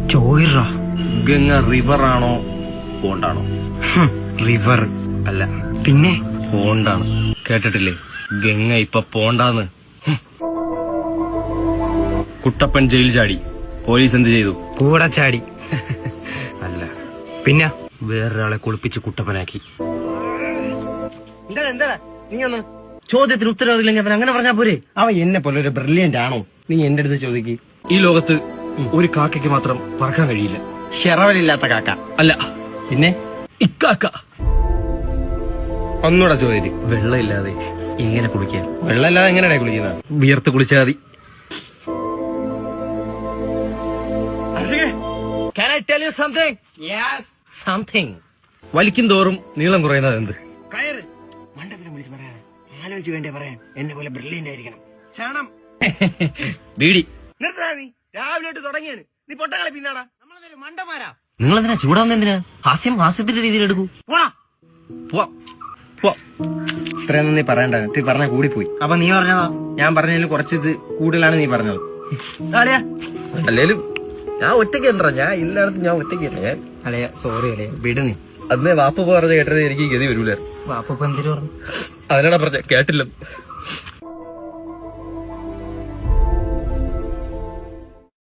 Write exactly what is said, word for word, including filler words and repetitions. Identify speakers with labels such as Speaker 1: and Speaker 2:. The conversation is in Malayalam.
Speaker 1: ചോയിറ
Speaker 2: ഗംഗ റിവർ ആണോ പോണ്ടാണോ?
Speaker 1: റിവർ
Speaker 2: അല്ല,
Speaker 1: പിന്നെ
Speaker 2: പോണ്ടാണ്. കേട്ടിട്ടില്ലേ ഗംഗ ഇപ്പൊ പോണ്ടാന്ന്? ഹും. കുട്ടപ്പൻ ജയിൽ ചാടി, പോലീസ് എന്ത് ചെയ്തു?
Speaker 1: കൂടെ ചാടി.
Speaker 2: അല്ല,
Speaker 1: പിന്നെ
Speaker 2: വേറൊരാളെ കുളിപ്പിച്ച് കുട്ടപ്പനാക്കി.
Speaker 1: എന്താ എന്താ നീ ഒന്ന്
Speaker 2: ചോദ്യത്തിന് ഉത്തരം അറിയില്ലെങ്കിൽ അവൻ അങ്ങനെ പറഞ്ഞാ പോരെ?
Speaker 1: അവ എന്നെ പോലെ ഒരു ബ്രില്യന്റ് ആണോ? നീ എന്റെ അടുത്ത് ചോദിക്ക്.
Speaker 2: ഈ ലോകത്ത് ഒരു കാക്കയ്ക്ക് മാത്രം പറക്കാൻ കഴിയില്ല.
Speaker 1: ഷെറവലില്ലാത്ത കാക്ക
Speaker 2: അല്ല,
Speaker 1: പിന്നെ
Speaker 2: ഇക്കാക്ക.
Speaker 1: ഒന്നുകൂടെ ചോദിക്കും.
Speaker 2: വെള്ളമില്ലാതെ ഇങ്ങനെ കുളിക്കാൻ?
Speaker 1: വെള്ളമില്ലാതെ എങ്ങനെയാ കുളിക്കുന്നത്?
Speaker 2: വിയർത്ത് കുളിച്ചാൽ മതി. Can I tell you something?
Speaker 1: Yes.
Speaker 2: Something. വലിക്കും തോറും നീളം കുറയുന്നത് എന്ത്?
Speaker 1: കയറ്. മണ്ടത്തിനെ വിളിച്ച് പറയാൻ ആലോചിച്ച് വേണ്ടേ പറയാൻ. എന്നെ പോലെ ബ്രില്യന്റ് ആയിരിക്കണം. ചാണം.
Speaker 2: ബീഡി.
Speaker 1: നിർത്തടാ നീ. രാവിലെ തൊട്ട് തുടങ്ങിയാണ്. നീ പൊട്ടങ്ങളെ പിന്നാടാ. നമ്മളതൊരു മണ്ടന്മാരാ.
Speaker 2: നിങ്ങൾ എന്തിനാ ചൂടാവുന്ന? എന്തിനാ? ഹാസ്യം ഹാസ്യത്തിന്റെ രീതിയിൽ എടുക്കൂ.
Speaker 1: പോടാ.
Speaker 2: പോവാ പോവാ.
Speaker 1: ഇത്രയൊന്നും നീ പറയണ്ട. നീ പറഞ്ഞ കൂടിപ്പോയി. അപ്പൊ നീ പറഞ്ഞതാ? ഞാൻ പറഞ്ഞതിൽ കുറച്ച് ഇത് കൂടുതലാണ് നീ പറഞ്ഞത്. അളിയാ,
Speaker 2: അല്ലേലും ഞാൻ ഒറ്റയ്ക്ക് ഉണ്ടാ. ഞാൻ ഇല്ലാടത്ത് ഞാൻ ഒറ്റയ്ക്ക് തന്നെ. ഞാൻ
Speaker 1: അളിയ സോറി അളിയ, വിട് നീ.
Speaker 2: അന്ന് വാപ്പ പറഞ്ഞ കേട്ടത് എനിക്ക് ഗതി വരൂല.
Speaker 1: വാപ്പ എന്തിനു പറഞ്ഞു?
Speaker 2: അതിനാണ് പറഞ്ഞ കേട്ടില്ല.